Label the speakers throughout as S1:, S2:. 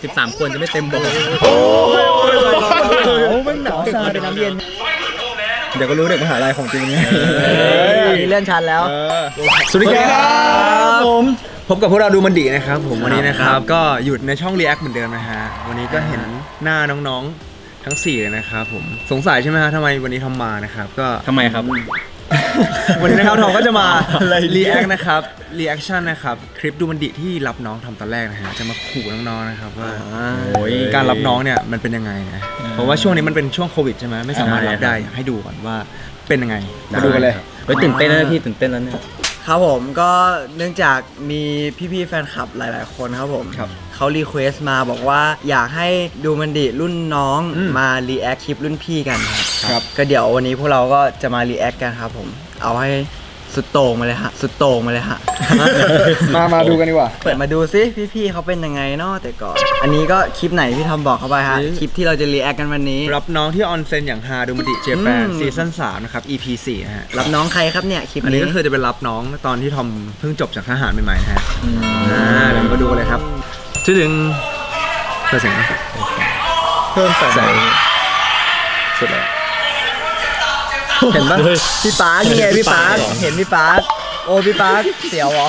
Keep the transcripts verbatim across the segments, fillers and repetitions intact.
S1: สิบสามคนจะไม่เต็มบ่อ
S2: โอ้ยมันหนาวซาเป็นน้ำเย็นเดี๋ยวก็รู้เด็กมหาลัยของจริงไงตอนนี้เลื่อนชั้นแล้วสวัสดีครับผมพบกับพวกเราดูมันดีนะครับผมวันนี้นะครับก็อยู่ในช่อง React เหมือนเดิมนะฮะวันนี้ก็เห็นหน้าน้องๆทั้งสี่เลยนะครับผมสงสัยใช่ไหมฮะทำไมวันนี้ทำมานะครับก็
S1: ทำไมครับ
S2: วันนี้นะครับทอมก็จะมา React นะครับ Reaction นะครับคลิปดูมันดีที่รับน้องทำตอนแรกนะฮะจะมาขู่น้องๆนะครับว่าการรับน้องเนี่ยมันเป็นยังไงนะเพราะว่าช่วงนี้มันเป็นช่วงโควิดใช่ไหมไม่สามารถรับได้ให้ดูก่อนว่าเป็นยังไงมาดูกันเลย
S1: เฮ้ยตื่นเต้นนะพี่ตื่นเต้นแล้วเนี่ย
S3: ครับผมก็เนื่องจากมีพี่ๆแฟนคลับหลายๆคนครับผมเขารีเควสต์มาบอกว่าอยากให้ดูมันดีรุ่นน้องมารีแอคคลิปรุ่นพี่กันครับก็เดี๋ยววันนี้พวกเราก็จะมารีแอคกันครับผมเอาให้สุดโต่งมาเลยฮะสุดโต่งมาเลยฮะ
S2: มามาดูกันดีกว่า
S3: เปิดมาดูซิพี่ๆเขาเป็นยังไงเนาะแต่ก่อนอันนี้ก็คลิปไหนพี่ทอมบอกเข้าไปฮะคลิปที่เราจะรีแอคกันวันนี้
S2: รับน้องที่ออนเซ็นอย่างฮาดูมันดีเจแปนซีซั่นสามนะครับ อี พี สี่นะฮะ
S3: รับน้องใครครับเนี่ยคลิปนี้
S2: อันนี้ก็คือจะเป็นรับน้องตอนที่ทอมเพิ่งจบจากทหารใหม่ๆนะฮะอ่าเดี๋ยวมาดูกันเลยครับชื่อถึงเพิ่มเสียงเพิ่มแสงสุดเลยเห็นปะ
S3: พี่ป๊าร์คนี่ไงพี่ป๊าร์คเห็นพี่ป๊าร์คโอ้พี่ป๊าร์คเสียวเหรอ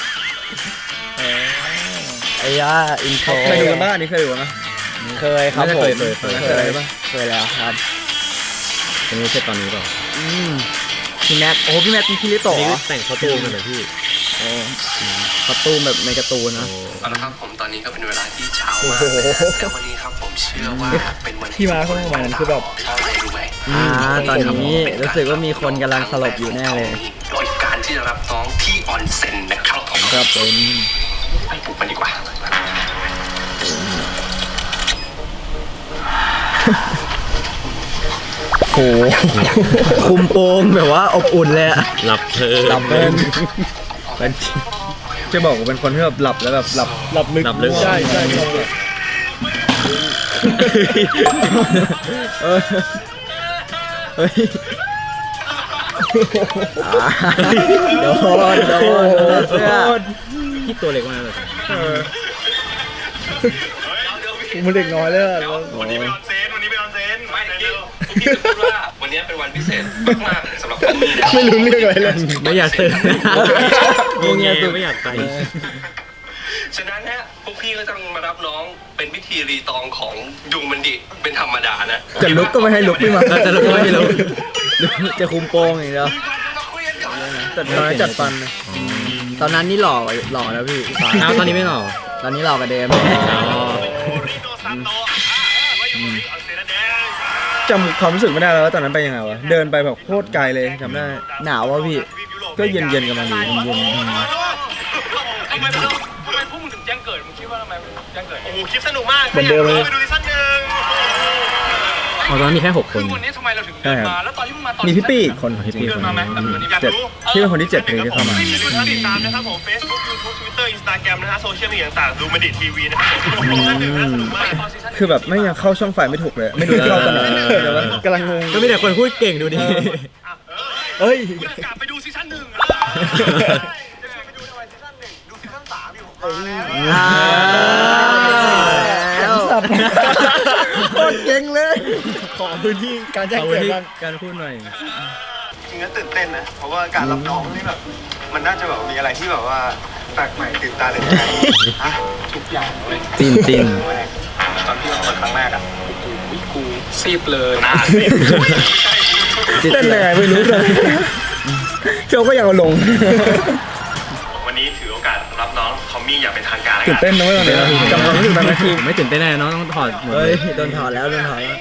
S3: ไอ้ย่าอินโทร
S2: เคยดูกันบ้างอันนี้เคยดูกันไหม
S3: เคยครับผม
S2: เคยเคยเคยเคยป่ะ
S3: เคยแล้วครับ
S1: อันนี้ใช่ตอนนี้เปล่า
S3: พี่แม็กโอ้พี่แม็กเป็นคิริโตะ
S1: แต่งคอสตูมเหมือนพี่
S3: โอ้คอสตูมแบบในการ์ตูนนะ
S4: เอาละครับผมตอนนี้ก็เป็นเวลาที่เช้ามากแต่วันนี้ครับผมเชื่อว่าเป็นวัน
S2: ที่มาเข้ามาวันคือแบบ
S4: อะไรรู้ไหม
S3: อ่าตอนนี้รู้สึกว่ามีคนกำลังสลบอยู่แน่เลย
S4: โดยการที่จะรับน้องที่ออนเซ็นนะครับผม
S3: ครับผม
S4: ไปปลุกมันดีกว่า
S3: โหคุมโปงแบบว่าอบอุ่นเลยอะ
S1: หลับเพลิน
S2: หลับเพลินเป็นจะบอกว่าเป็นคนที่แบบหลับแล้วแบบหลับหลับลึก
S1: หลับลึก
S2: ใช่ใช่เออเฮ้ย
S3: โดนโดนเสื้อ
S1: พี่ตัวเล็กมากเลย
S2: มันเด็กน้อยเลย
S4: วันนี้เป็นออนเซนวันนี้เป็นออนเซนไม่พี่พี่จะพูดว่าวันนี้เป็นวันพิเศษมากๆสำหรับผม
S2: ไม่รู้เรื่องอะไรเลย
S1: ไม่อยากตื่นงงเงี้ยไม่อยากไป
S4: ฉะนั้นฮะพวกพี่ก็ต้องมารับน้องเป็นพิธีรีตองของดูมันดิเป็นธรรมดานะ
S2: จะลุกก็ไม่ให้ลุกไม่มา
S1: จะลุกก็ไม่ให้ลุก
S2: จะคุมโปงอย่างเดียวจัดฟันจัดฟัน
S3: ตอนนั้นนี่หล่อหล่อแล้วพี่
S1: อ้าวตอนนี้ไม่หล่อ
S3: ตอนนี้หล่อกว่าเดิม
S2: จำความรู้สึกไม่ได้แล้วตอนนั้นไปยังไงวะเดินไปแบบโคตรไกลเลยจำได้
S3: หนาววะพี่
S2: ก็เย็นเย็นกันมาดีเย็น
S4: ทำไมทำไมพวกมึงถึงแจ้งเกิดมึงคิดว่าทำไมแจ้งเกิดโอ้โหคลิปสนุกมาก
S2: เหมือนเดิมเลย
S4: ไปดูซีซั่นหนึ่ง
S1: อ๋อตอนนั้นมีแค่หกคน
S4: วันนี้ทำไมเราถึงเดินมาแล้วตอนที่มึงมาตอน
S2: มีพี่ปี้คน
S1: พี่ปี้
S4: เดินมาไหม
S2: เจ็ดที่เป็นคนที่เจ็ดเลยที่เข้ามา
S4: ติดตามนะครับผม Facebook YouTube Twitter Instagram นะฮะโซเชียลมีเดียต่างๆดูมันดิทีวีนะครับผมซีซั่นหนึ่งน่าสนุกมาก
S2: คือแบบไม่ยังเข้าช่องไฟไม่ถูกเลยไม่รู้เข้าตอนไหนเดี๋ยวกำลังงง
S1: ก็มีแต่คนพูดเก่งดูดิ
S2: เฮ้ย
S4: กลับไปดูซีซั่นหนึ่งไปดูทำไมซีซั่นหนึ่งดูซีซั่นสามอยู่
S3: แข็งสัตว์
S2: โคตรเก่งเลยขอพื้นที่การแจ้งเกิด
S1: การพูดหน่อย
S4: จริงๆตื่นเต้นนะเพราะว่าการรับน้องนี่แบบมันน่าจะแบบมีอะไรที่แบบว่าแปลกใหม่ตื่นตาตื่นใจทุกอย่างเลย
S1: จินจิน
S4: ตอนที่เราเปิดครั้งแรกอ่ะกูกูซีบเลยนะ
S2: เต้นยังไงไม่รู้เลยเจ้าก็ยังเอาลง
S4: วันนี้ถือโอกาสรับน้องทอมมี่อย่างเป็นทางการ
S2: ตื่นเต้นนะเว้ยวันนี้จำความรู้สึกได้ไหมคือ
S1: ไม่ตื่นเต้นแน่น้องต้องถอด
S3: เฮ้ยโดนถอดแล้วโดนถอดแล้ว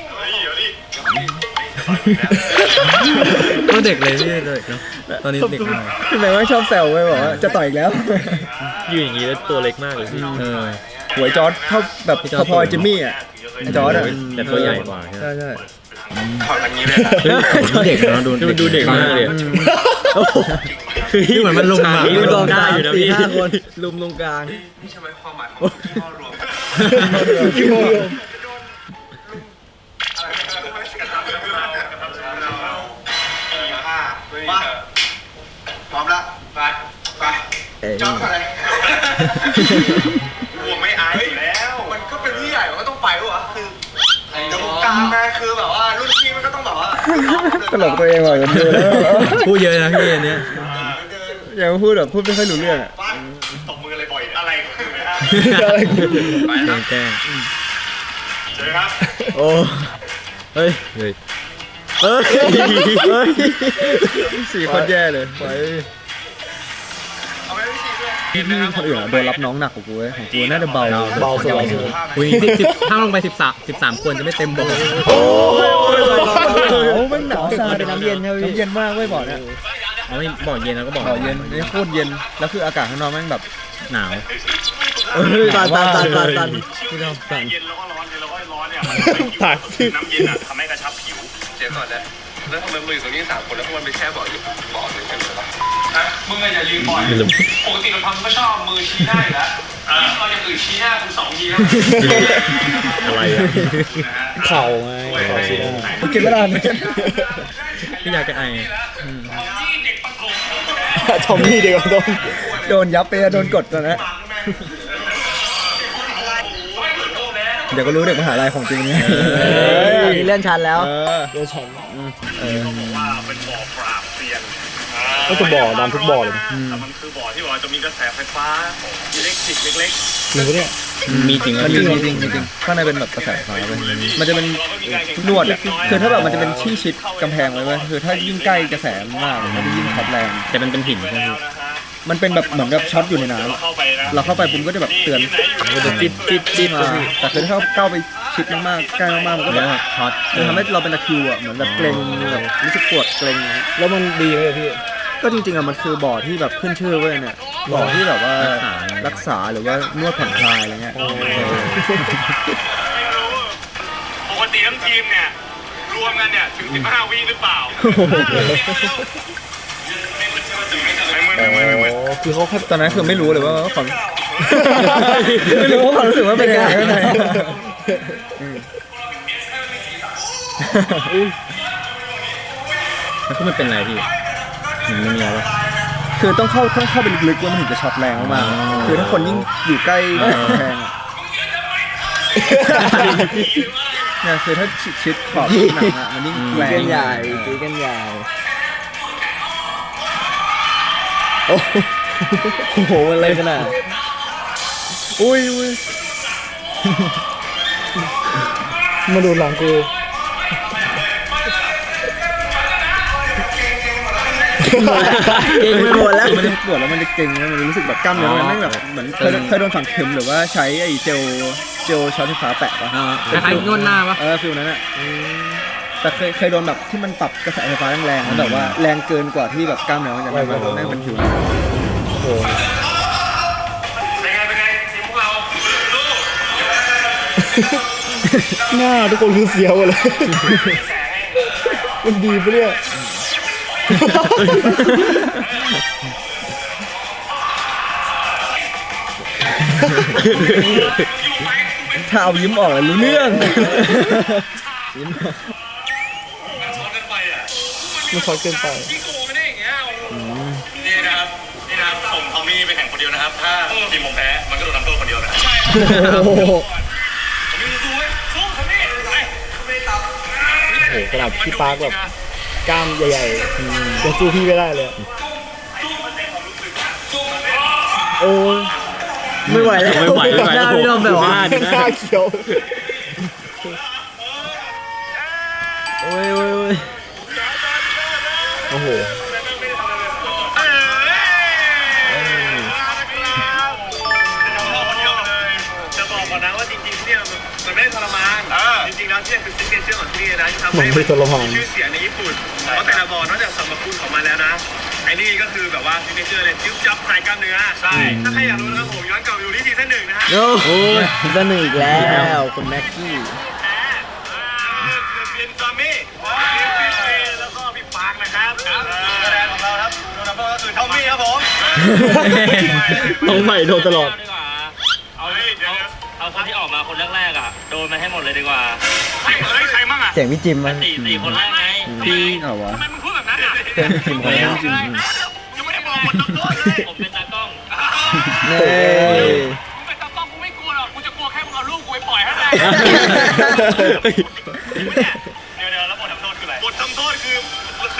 S1: ก็เด็กเลยพี่เด็กเนาะตอนนี้เด็กมาก
S2: คือหมายว่าชอบแซวไว้บอกว่าจะต่อยอีกแล้ว
S1: อยู่อย่างนี้แล้วตัวเล็กมากเลยพี่
S2: หวยจอร์ดเท่าแบบพอๆจิมมี่อ่ะจอร์ดอ่ะ
S1: แต่ตัวใหญ่กว่า
S2: ใช่ใช่
S4: ถอดอย่างนี้เลย
S1: เด็กเนาะดูดูเด็กมากเลยคือเหมือนมันลงมา
S3: ลุมตรงกลางอยู่นะพี่ห้าคนลุมตรงกลาง
S4: นี่ใช่ไหมความหมายของที่พ่อรวม
S2: ที่พ่อรวม
S4: มาพร้อมแล้วไปไปจอดอะไรกลัวไม่อายอยู่แล้วมันก็เป็นที่
S2: ตลกตัวเองว่ะกันดูแล้ว
S1: พูดเยอะนะพี่อันเนี้ย
S2: อย่ามาพูดแบบพูดไม่ค่อยรู้เรื่องอะ
S4: ตบมือเลยบ่อยอะไรคือนะ
S2: อะไรกู
S4: ไป
S1: แก
S4: ค
S1: ล้
S4: รับ
S1: งแกล้ง
S4: เจอครับ
S2: โอ้เฮ้ย
S1: เฮ้ย
S2: เฮ้ยเฮ้ยสี่คนแย่เลยไป
S4: เอาไปที่สี่ด้วย
S2: พี่พี่คนอื่นอะโดนรับน้องหนักกว่ากูเว้ยของกูน่าจะเบา
S3: เบาสุด
S1: อุ้ยสิบสิบถ้าลงไปสิบสามสิบสามคนจะไม่เต็มบ่อ
S2: โอ้ยหนาวมันหนาวซาเป็นน้ำเย็นใช่ไหมน้ำเย็นมากเว้ยบ่อเนี่ย
S1: เอาไม่บ่อเย็นแล้วก็บ่อ
S2: บ่อเย็นนี่โคตรเย็นแล้วคืออากาศข้างนอกแม่งแบบ
S1: หนาว
S2: เอ้ย
S3: ตันตันตันตันตัน
S2: พี่น้องสั่น
S4: เย็นแล้วก็ร้อนเย็นแล้วก็ร้อนเนี่ย
S2: ผ่านสิ
S4: น้ำเย็นอ่ะทำให้กระชับผิวเดี๋ยวก่อนนะแล้วทำไมมึงอยู่ตรงนี้สามคนแล้วพวกมันไปแช่บ่ออยู่บ่อหนึ่งกันเหรอฮะมึงอะอย่ายืนบ่อยปกติเราทำก็ชอบมือชี้หน้าอยู่แล้วเราอย่างอื่นชี้หน้าคุณสองทีแล้ว
S1: อะไรอ่ะ
S2: เข่าไงเข่าสิได้กินไม่ได้เนี่ย
S1: พี่อยากจะไอ
S2: ทอมมี่เดียวโดนโดนยับไปอะโดนกดตอนนั้นเดี๋ยวก็รู้เด็กมหาลัยของจริงเนี่ย
S3: ตอนนี้เลื่อนชั้นแล้ว
S2: เลื่อนชั้นเออ
S4: ว่าเป็นบ่อปราบเซียน
S2: ก็จะบ่อดำทุกบ่อเลย
S4: แต่มันคือบ่อที่ว่าจะมีกระแสไฟฟ้าอิเล็กทริกเล็ก
S2: หรือเนี่ย
S1: มีจริง
S2: มันจ
S1: พี่
S2: ริงจริงจริงข้างในเป็นแบบกระแสไฟฟ้าเลยมันจะเป็นนวดอ่ะคือถ้าแบบมันจะเป็นที่ชิดกำแพงไว้เว้ยคือถ้ายิ่งใกล้กระแสมากมันจะยิ่งช็อตแรง
S1: แต่มันเป็นหินใช่ไหมพี่
S2: มันเป็นแบบเหมือนกับช็อตอยู่ในน้
S4: ๆเข้าไปนะ
S2: ำเราเข้าไปปุ๊บก็จะแบบเตือนมันจะจิ๊บจิ๊บจิ๊บมาแต่คือถ้าเข้าไปชิดมากๆใกล้มากๆมันก็
S1: แล้
S2: แบ
S1: ว
S2: บ
S1: ช็อต
S2: มันทำให้เราเป็นตะคริวอ่ะเหมือนแบบเกร็งแบบรู้สึกปวดเกร็งแล้วมันดีไหมพี่ก็จริงๆอ่ะมันคือบ่อที่แบบขึ้นชื่อเว้ยเนี่ยบ่อที่แบบว่ารักษาหรือว่านวดผ่อนคลายอะไรเงี้ย
S4: ปกติทั้งทีมเนี่ยรวมกันเนี่ยถึงสิบห้าวิหรือเปล่าไม่มึนไม่มึนไม่มึน
S2: คือเขาแค่ตอนนั้นคือไม่รู้เลยว่าความไม่รู้ว่าความรู้สึกว่าเป็นยังไงข้างใน
S1: แล้วก็มันเป็นอะไรพี่มันไม่มีอะไรวะ
S2: คือต้องเข้าต้องเข้าไปลึกๆว่ามันถึงจะช็อตแรงมากๆคือถ้าคนยิ่งอยู่ใกล้แพงอ่ะเนี่ยคือถ้าชิดขอบหนังอ่ะมันยิ่งแรง
S3: กันใหญ่ตีกันใหญ่โอ้โหมันเลยขนาด
S2: อุ้ยอุ้ยมาดูหลังกู
S3: เก่งไปหมดแล้ว
S2: มันจะปวดแล้วมันจะเก่งแล้วมันจะรู้สึกแบบกล้ามเนื้อมันไม่แบบเหมือนเคยเคยโดนฝังเข็มหรือว่าใช้ไอ้เจลเจลช็อตไฟฟ้าแปะปะ
S1: คล้ายๆนวดหน้าปะ
S2: เออฟิลนั้นอ่ะแต่เคยเคยโดนแบบที่มันปรับกระแสไฟฟ้าแรงๆแล้วแบบว่าแรงเกินกว่าที่แบบกล้ามเนื้อมันจะไม่ไม่เป็นฟิลนั้นโอ้
S4: เป็นไงเป็นไงทีมพวกเราสู้
S2: หน้าทุกคนคือเสียวเลยมันดีปะเนี่ยถ้าเอายิ้มออกเลยรู้เรื่องยิ้มออก
S4: ช็อตกันไปอ่ะ
S2: มันช็อตเกินไป
S4: ที่โกงกันได้อย่างเงี้ยนี่นะครับนี่นะครับส่งทอมมี่ไปแข่งคนเดียวนะครับถ้าทีมผมแพ้มันก็โดนทำโทษคนเดียวนะใช่ครับ
S2: โอ้โห
S4: ทอมมี่สู้เว้ยสู้ทอมมี่ไปไม่ตับ
S2: โอ้โหขนาดพี่ปาร์คแบบกล้ามใหญ่ๆยังสู้พี่ไม่ได้เลยโอ้ย
S3: ไม่ไหวแล้ว
S1: ไม่ไหวไม่ไหว
S3: หน้าพี่ดอมแบบว่า
S2: หน้าเขียว
S3: โอ้ยโอ้ยโอ้ย
S2: โอ้โห
S4: จะบอกก่อนนะว่าจริงๆเนี่ยมันไม่ได้ทรมานจริงๆแล้วที่คือซิกเนเจอร์ของที่นี่นะที่ทำให้มีชื่อเสียงในญี่ปุ่นเพราะแต่ละบอลนอกจากสมรภูมิของมันแล้วนะไอ้นี่ก็คือแบบว่าซิกเนเจอร์เลยจิ้วจับคลายกล้ามเนื้อใช่ถ้าใครอยากรู้นะครับผมย้อนกลับไปดูที่ซีซั่นหนึ่งนะฮะ
S3: โอ้ยสนุกอีกแล้วคุณแม็กกี้
S4: เรียนจอมมี่พี่เฟย์แล้วก็พี่ปาร์คนะครับคะแนนของเราครับโดนนับก็คือทอมมี่ครับผม
S2: ต้องใหม่โดนตลอด
S4: เอาเดี๋ยว
S5: เอาคนที่ออกมาคนแรกๆอ่ะโดนมาให้หมดเลยดีกว่า
S4: เฮ้ยใครมั่งอ่ะ
S3: เสียงพี่จิมมัน
S5: สี่สี่คนแรกไง
S2: พี่เหรอวะ
S4: ทำไมมึงพูดแบบนั้นอ่ะ
S2: เป็นทีมของจริง
S4: ยังไม่ได้บอกหมดทั้งตัวเลย
S5: ผมเป็นตากล้อง
S3: เน่
S4: มึงเป็นตากล้องกูไม่กลัวหรอกกูจะกลัวแค่มึงเอาลูกกูไปปล่อยให้ได้เดี๋ยวเดี๋ยวแล้วบททำโทษคืออะไรบททำโทษ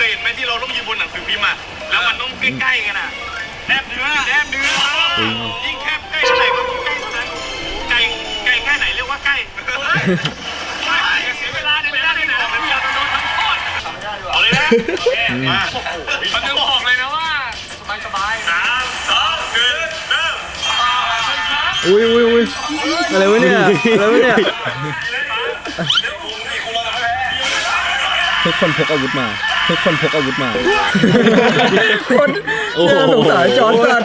S4: ยเห็นไหมที่เราต้องยืนบนหนังสือพิมพ์อ่ะแล้วมันต้องใกล้ๆกันอ่ะแนบเนื้อแนบเนื้อยิ่งแคบใกล้เท่าไหร่ก็ใกล้เท่านั้นไกลไกลแค่ไหนเรียกว่าใกล้อย่าเสียเวลาในเวลาในไหนเราเป็นการโดนทำโทษเอาเลยนะโอเคมามันจะบอกเลยนะว่าสบายๆสามสองหนึ่งเริ่ม
S2: อุ้ยอุ้ยอุ้ยอะไรวะเนี่ยอะไรวะเนี่ยทุกคนพกอาวุธมาทุกคนพกอาวุธมาคนน่าสงสารจอร์จสัน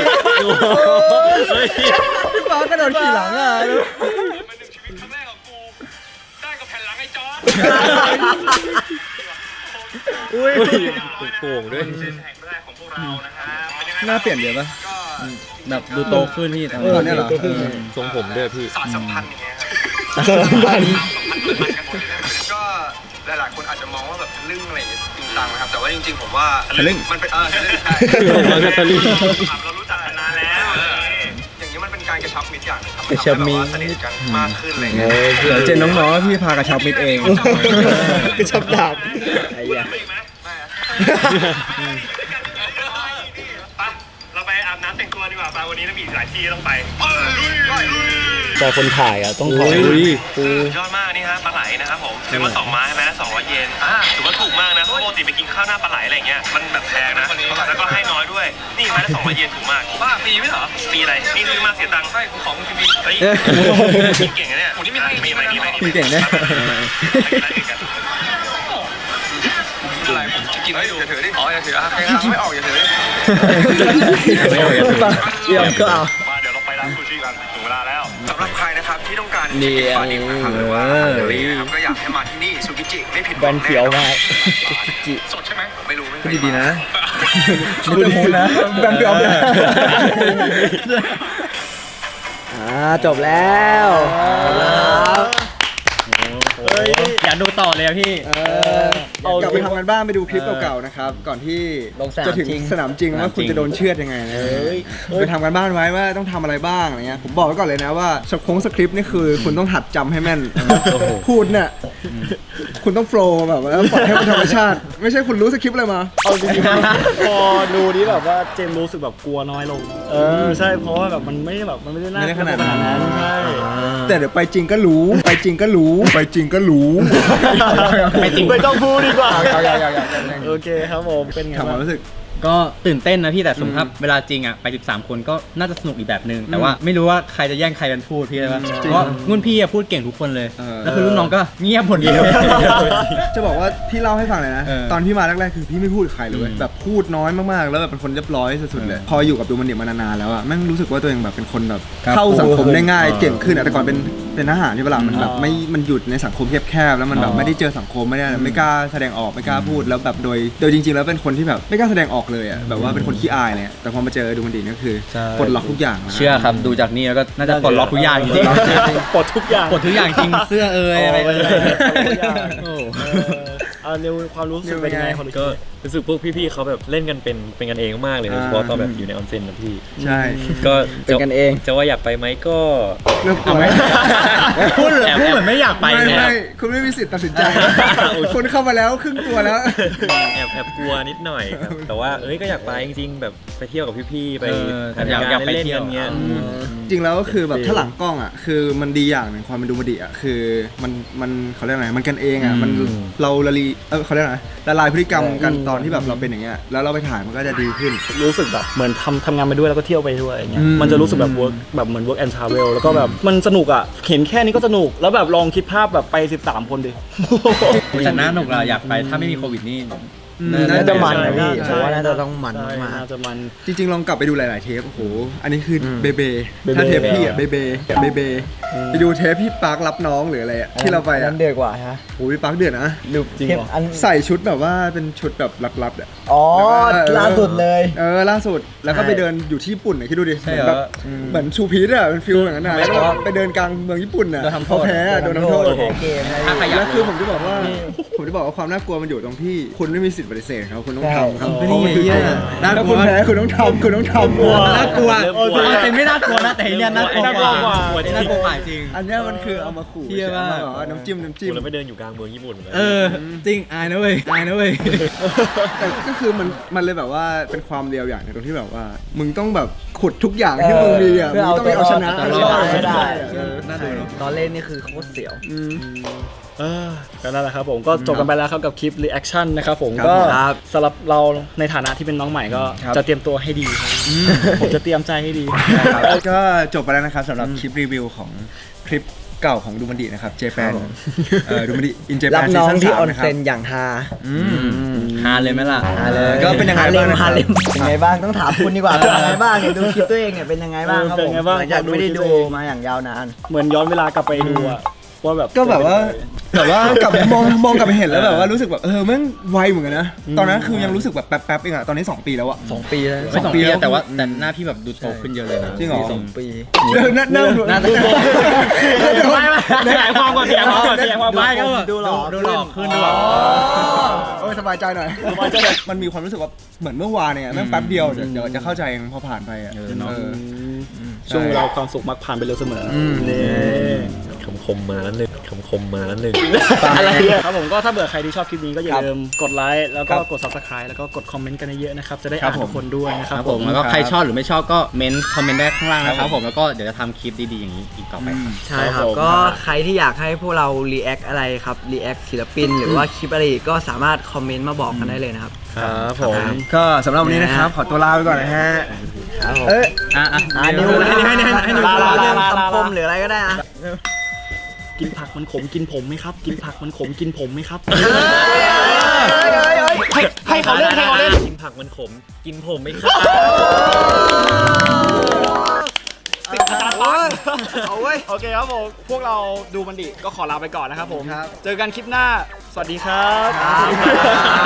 S2: พี่ฟ้ากระโดดขี่หลังอ่ะ
S4: มันหนึ่งชีวิตครั้งแรกของกูได้กับแผ่นหลังไอ้จอร์จ
S2: อุ้ย
S1: โก่งด้วย
S4: แห่งแรกของพวกเรานะฮะเป็นยังไง
S2: หน้าเปลี่ยนเดี๋ยวปะ
S4: ก็
S1: แบบดูโตขึ้นพี่ทำ
S2: เออเนี่ยเหรอ
S1: ทรงผมด้วยพี่
S4: สารสัมพันธ์อย่างเงี้ย
S2: สารพัน
S4: ก็หลายๆคนอาจจะมองว่าแบบทะลึ่งอะไรอย่างเงี้ยจริงจังนะครับแต่ว่าจริงๆผมว่า
S2: ทะลึ่ง
S4: มันเป็นเออทะลึ่งใช่
S2: ทะลึ่ง
S4: เรารู้จักกันนานแล้วอย่างนี้มันเป็นการกระชับมิตรอย่างหนึงครับ
S2: กระชับมิตร
S4: ทำให้เราแบบว่าสนิทกันมากขึ้นอะไรอย่างเงี้ย
S2: เดี๋ยวเจนน้องๆพี่พากระชับมิดเองกระชับดาบไอ้ยา
S4: ไม่อีกไหมไม่อะไปเราไปอาบน้ำแต่งตัวดีกว่าไปวันนี้เรามีหลายที่ต้องไปลุยลุย
S1: แต่คนถ่ายอ่ะต้องถ่าย
S4: ยอดมากนี่ฮะปลาไหลนะครับผมซื้อมาสองไม้ใช่ไหมสองร้อยเยนอ่าถือว่าถูกมากนะเพราะปกติไปกินข้าวหน้าปลาไหลอะไรเงี้ยมันแบบแพงนะแล้วก็ให้น้อยด้วยนี่ไม้ละสองร้อยเยนถูกมากบ้าฟรีไหมเหรอฟรีอะไรนี่ซื้อมาเสียตังค์ใช่ของฟรีเฮ้ยเก่งนะเนี่ยผมนี่ไม่ให้มีไหมมีไหม
S2: พี่เก่งนะ
S4: อะไรผมจะกินให้ดูอย่าถือดิอ๋ออย่าถืออ่ะใครทำไม่ออกอย่าถือ
S2: ไม่เอาอย่าถือเดี๋ยวก็เอา
S4: มาเดี๋ยวเราไปร้านซูชิกันถึงเวลาแล้วสำหรับใครนะครับที่ต้องการ
S2: นี่
S4: ปลาดิบนะครับหรือว่า
S2: เออ
S4: เดลี่นะครับก็อยากให้มาที่นี่ซูกิจิไม่ผิดห
S2: แบ
S4: วัง
S2: นเฟี้ยวมาก
S4: จิสดใช่ไหมไม่รู้ไม่เค
S2: พูด
S4: ย
S2: ดีๆนะ
S4: มา
S2: พูดดีๆนะแบนเฟี้ยวนะอ่าจบแล้วครับ
S1: อยากดูต่อเลยอะพี่
S2: กลับไปทำกันบ้านไปดูคลิปเก่าๆนะครับ ก่อนที่จะถึงสนามจริงว่าคุณจะโดนเชือดยังไงนะไปทำกันบ้านไว้ว่าต้องทำอะไรบ้างอะไรเงี้ยผมบอกไว้ก่อนเลยนะว่าสคงสคริปต์นี่คือคุณต้องหัดจำให้แม่นพูดเนี่ยคุณต้องโฟล์แบบว่าปล่อยให้มันธรรมชาติ ไม่ใช่คุณรู้สคริปต์อะไรมา
S6: เอาจริงๆพอดูนี้แบบว่าเจมส์รู้สึกแบบกลัวน้อยลง เออใช่เพราะว่าแบบมันไม่ได้แบบมันไม่ได้น่ากลัวขนาดนั้นใช่
S2: แต่เดี๋ยวไปจริงก็รู้ไปจริงก็รู้ไปจริงก็รู้
S6: ไม่จริงไม่ต้องพูดดีกว่า
S2: เอาอย่างอย่างอย่าง
S6: โอเคครับผมเป็นไง
S2: ถามความ
S6: บ้าง
S2: รู้สึก
S1: ก็ตื่นเต้นนะพี่แต่สมมติครับเวลาจริงอ่ะไปสิบสามคนก็น่าจะสนุกอีกแบบนึงแต่ว่าไม่รู้ว่าใครจะแย่งใครกันพูดพี่ใช่ปะเพราะว่ารุ่นพี่อะพูดเก่งทุกคนเลย
S2: เออ
S1: แล้วคือรุ่นน้องก็เงียบหมดเลย
S2: จะบอกว่าพี่เล่าให้ฟังเลยนะ
S1: เออ
S2: ตอนพี่มาแรกๆคือพี่ไม่พูดกับใครเลยเว้ย
S1: อืม
S2: แบบพูดน้อยมากๆแล้วแบบเป็นคนเรียบร้อยสุดๆเลย พออยู่กับดูมันดิมานานๆแล้วอ่ะแม่งรู้สึกว่าตัวเองแบบเป็นคนแบบ
S1: ครับ
S2: เข้าสังคมได้ง่าย
S1: เออ
S2: เก่งขึ้นอะแต่ก่อนเป็นเป็นทหารที่เวลามันแบบไม่มันหยุดในสังคมแคบๆแล้วมันแบบ
S1: อ๋อ
S2: ไม่ได้เจอสังคมไม่ได้ไม่กล้าแสดงออกไม่กล้าพูดแล้วแบบโดยโดยจริงๆแล้วเป็นคนที่แบบไม่กล้าแสดงออกเลยอ่ะแบบว่าเป็นคนขี้อายเนี่ยแต่พอมาเจอดูมันดิก็คือ
S1: ใช่
S2: ปลดล็อกทุกอย่างนะ
S1: เชื่อครับดูจากนี้แล้วก็น่าจะปลดล็อกทุกอย่างจริง
S6: ปลดทุกอย่าง
S1: ๆปลดทุกอย่างจริงเสื้อเอ่ยอะไรเอ่ย
S6: ทุกอย่าง
S1: โอ้
S6: เออเอาเร็วความรู้สึกเป็นยังไงคน
S7: ก็รู้สึกพวกพี่ๆเขาแบบเล่นกันเป็นเป็นกันเองมากเลยโดยเฉพาะตอนแบบอยู่ในออนเซ็นนะพี่
S2: ใช่
S7: ก็
S2: เป็นกันเอง
S7: จะว่าอยากไปไหมก็
S2: เริ่มกลัว
S1: พูดเหมือนพูดเหมือนไม่อยากไป
S2: ไม่
S1: เนี่ย
S2: ไม่คุณไม่มีสิทธิ์ตัดสินใจ คุณเข้ามาแล้วครึ่งตัวแล้ว
S7: แอบแอบกลัวนิดหน่อยครับแต่ว่าเอ้ยก็อยากไปจริงๆแบบไปเที่ยวกับพี่ๆไป
S1: เออ
S7: ทำ
S1: อยาก
S7: งา
S1: อยาน กไป
S7: เล่น
S1: เที่
S7: ๆ
S1: ยว
S7: กันเงี้ย
S2: จริงแล้วก็คือแบบถ้าหลังกล้องอ่ะคือมันดีอย่างหนึ่งความเป็นดูมดีอ่ะคือมันมันเขาเรียกอะไรมันกันเองอ่ะมันเราละลีเออเขาเรียกอะไรละลายพฤติกรรมกันตอนที่แบบเราเป็นอย่างเงี้ยแล้วเราไปถ่ายมันก็จะดีขึ้น
S6: รู้สึกแบบเหมือนทำทำงานไปด้วยแล้วก็เที่ยวไปด้วยอย่างเงี้ย
S2: อืม
S6: มันจะรู้สึกแบบ work แบบเหมือน work and travel แล้วก็แบบมันสนุกอ่ะเห็นแค่นี้ก็สนุกแล้วแบบลองคิดภาพแบบไปสิบสามคนดิ
S1: แต่น่าหนุกเราอยากไปถ้าไม่มีโควิดนี่
S3: น่าจะมันนะพี่
S6: ใช่
S3: ผมว่าน่าจะต้องมัน
S6: ใช่
S3: มาก
S6: น่าจะมัน
S2: จริงๆลองกลับไปดูหลายๆเทปโอ้โหอันนี้คืออ
S3: ม
S2: เบเบ
S6: เบเบ
S2: ถ้าเทปพี่อ่ะเบเบเบเบไปดูเทปพี่ปาร์ครับน้องหรืออะไรอ่ะที่เราไปอ่ะ
S3: นั้นเดือดกว่าฮะ
S2: โอ้ยพี่ปาร์คเดือดนะ
S3: ดู
S6: จริง
S3: เทป
S6: เหรอ
S3: อัน
S2: ใส่ชุดแบบว่าเป็นชุดแบบลับๆอ่ะ
S3: อ๋อ
S2: แล้วก็
S3: ล่าสุดเลย
S2: เออล่าสุดแล้วก็
S3: ใช่
S2: ไปเดินอยู่ที่ญี่ปุ่นอ่ะคิดดูดิ
S1: ใช่
S2: เหมือน
S1: เหร
S2: แบ
S1: อบ
S2: เหมือนชูพีชอ่ะเป็นฟิลอย่างนั้นนะแล้วก็ไปเดินกลางเมืองญี่ปุ่นอ่ะ
S1: โดนทำโทษ
S2: เขาแพ้อะโดนทำโทษ
S3: แพ้เกมนะ
S1: ถ้าใครอยาก
S2: แล้วคือผมจะบอกว่าผมจะบอกว่าความน่ากลัวมันอยู่ตรงที่คุณไม่มีสิทธิ์ปฏิเสธครับคุณต้องทำครับ
S1: ไม่ได้เหี้ยน่าก
S2: ถ้า
S1: ลั
S2: คุ
S1: ว
S2: ณแพ้คุณต้องทำคุณต้องทำ
S1: น่ากลัว
S7: เริ่มกลัว
S1: มันเป็นไม่น่ากลัวนะแต่อันเนี่ยน่ากลัว
S6: น่ากลัวกว่า
S1: อันนี้น่ากลัวกว่าจริง
S2: อันเนี้ยมันคือเอามาขู่
S1: เหี้ยมาก
S2: ใช่ไหแบบว่าน้ำจิ้มน้ำจิ้ม
S7: เราไปเดินอยู่กลางเมืองญี่ปุ่นเลย
S1: เออจริงอายนะเว้ยอายนะเว้ย
S2: แต่ก็คือมันมันเลยแบบว่าเป็นความเดียวอย่างหนึงตรงที่แบบว่า มึงต้องแบบขุดทุกอย่างที่มึงมีอ่ะ
S3: เพื่
S2: มึ
S3: อง เอา
S2: ต้องไปเอาชนะ
S3: ตัวรอดให้ได้
S2: เออ
S1: น่าดูเนอะ
S3: ตอนเล่นนี่คือโคตรเสียว
S2: อืม
S6: เออก็นั่นแหละครับผมก็จบกันไปแล้วครับกับคลิป reaction นะครับผม
S2: ครับ
S6: ก็
S3: ครับ
S6: สำหรับเราในฐานะที่เป็นน้องใหม่ก็
S2: ครับ
S6: จะเตรียมตัวให้ดีครับผมจะเตรียมใจให้ดี
S2: ก็จบไปแล้วนะครับสำหรับคลิปรีวิวของคลิปเก่าของดูมันดีนะครับเจแปนเออดูมันดีอินเจแป
S3: รับ
S2: นซี
S3: น้อง
S2: ซั่น
S3: ที่
S2: สาม
S3: ออน
S2: นะครั
S3: เซ
S2: บ
S3: นอย่างฮา
S2: อืม
S1: ฮาเลยไหมล่ะ
S3: ฮาเลย
S2: ก็เป็นยังไงบ้างนะครับ
S3: ฮาเลมเป็นไงบ้างต้องถามคุณดีกว่าเป็นยังไงบ้างเนี่ยดูคลิปตัวเองเนี่ยเป็นยังไงบ้างครับ
S6: เออเป็น
S3: ผม
S6: ไงบ้าง
S3: หลังจากไม่ได้
S6: ดู
S3: ดู
S6: คลิปตัวเอง
S3: มาอย่างยาวนาน
S6: เหมือนย้อนเวลากลับไปดูอะว่าแบบ
S2: ก็แบบว่าแบบว่ากลับมองมองกลับไปเห็นแล้วแบบว่ารู้สึกแบบเออแม่งไวเหมือนกันนะตอนนั้นคือยังรู้สึกแบบแป๊บๆเองอะตอนนี้สองปีแล้วอะ
S3: สองปีแล้ว
S1: ไม่สองปี
S2: สองปีแล้ว
S1: แต่ว่าแต่หน้าพี่แบบดูโตขึ้นเยอะเลยนะ
S2: จริงเหรอ
S1: สอง
S3: ปี
S2: เดินนั่งนั่งดู
S1: หน้าตา
S6: ขยายความก่อนขยายความก่อนขยายความก่อน
S1: ไม่ก็แบบดูหล่อดูหล่อขึ้นดูหล่อ
S2: โอ้ยสบายใจหน่อยมันมีความรู้สึกว่าเหมือนเมื่อวานเนี่ยแม่งแป๊บเดียวเดี๋ยวเดี๋ยวจะเข้าใจเองพอผ่านไปอะ
S1: เออเนอะ
S2: เออ
S6: ช่วงเวลาความสุขมักผ่านไปเร็วเสมออ
S2: ม
S6: นี่
S7: คำคมมาแล้วหนึ่งคำคมมาแล้วหนึ่ง
S6: อะไรเนี่ยครับผมก็ถ้าเบื่อใครที่ชอบคลิปนี้ก็อย่า
S2: ครับ
S6: ลืมกดไลค์แล้วก็
S2: ครับ
S6: กด subscribe แล้วก็กดคอมเมนต์กันเยอะๆนะครับจะได้
S2: ครั
S6: อ่า
S2: บ
S6: น
S2: ผม
S6: ทุกคนด้วยนะค
S1: ค
S6: รั
S1: รั
S6: บบ ผ
S1: ผม มแล้วก็ใครชอบหรือไม่ชอบก็เม้นคอมเมนต์ได้ข้างล่างนะครับผมแล้วก็เดี๋ยวจะทำคลิปดีๆอย่างนี้อีกต่อไปครับ
S3: ใช่ครับ ก็ใครที่อยากให้พวกเรา react อะไรครับ react ศิลปิน หรือว่าคลิปอะไรอีกก็สามารถคอมเมนต์มาบอกกันได้เลยนะครับ
S6: ครับผม
S2: ก็สำหรับวันนี้นะครับ ขอตัวลาไปก่อนนะฮะ
S3: ครับผม
S2: เอ้ย
S1: อ่ะอ่ะ
S3: อ่านิว
S1: ให้ให้ให้ให้ให้นิว
S3: ลาลา
S6: ลา
S3: ลา
S6: ลาลา
S3: คำคมหรืออะไรก็ได้อะ
S6: กินผักมันขมกินผมไหมครับ กินผักมันขมกินผมไหมครับ
S7: ให้ให้เขาเล่นให้เขาเล่นกินผักมันขม กินผมไม่ครับ
S6: สิบอาจารย์ฟัง
S3: เอาเว้ย
S6: โอเคครับผม พวกเราดูมันดิก็ขอลาไปก่อนนะครับผม
S2: ครับ
S6: เจอกันคลิปหน้า สวัสดีครับ
S3: ครับ